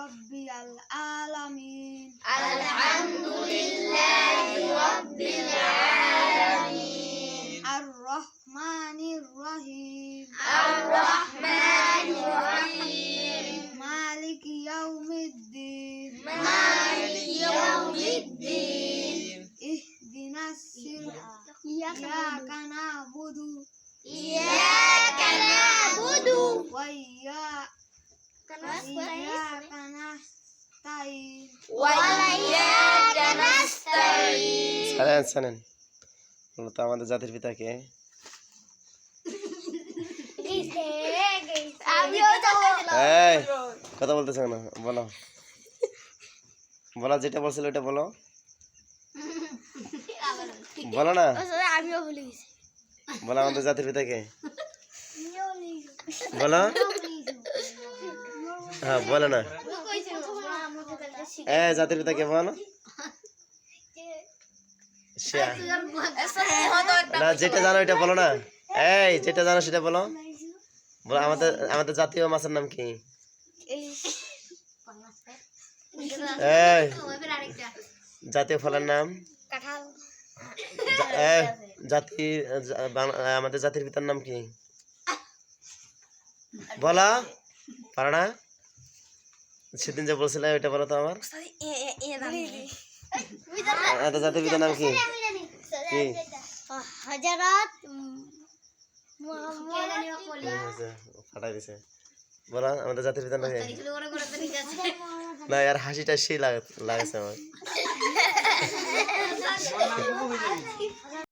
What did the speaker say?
রব্বিল আলামিন। আলহামদুলিল্লাহি রাব্বিল আলামিন। আর রহমানির রহিম। আর রহমানির রহিম। মালিকি ইয়াউমিদ্দিন। মালিকি ইয়াউমিদ্দিন। ইহদিনাস সিরাতাল ইয়াকা না'বুদু ইয়াকা না'বুদু ওয়া ইয়াকা নাস্তাইন। ওয়া ইyyaka নাস্তাইন। শোনেন তো আমাদের জাতির পিতা কে? এই কথা বলতেছ না, বলো বলা, যেটা বলছিল ওটা বলো, বলো না, আমিও ভুলে গেছি। বলো আমাদের জাতির পিতা কে? বলো, হ্যাঁ বলো না, জাতির পিতা কে বলো? না, যেটা জানো এটা বলো না। এই যেটা জানো সেটা বলো। বলো আমাদের আমাদের জাতীয় মাছের নাম কি? এই জাতীয় ফলের নাম? আমাদের জাতির পিতার নাম কি? বলা পারো না? সেদিন যে বলছিলে ওইটা বলো তো আমার। আমাদের জাতির পিতার নাম কি? কি? হযরত ফাটাই দিছে। বলো আমাদের জাতির পিতার নাম কি? না यार, হাসিটা সেই লাগছে আমার।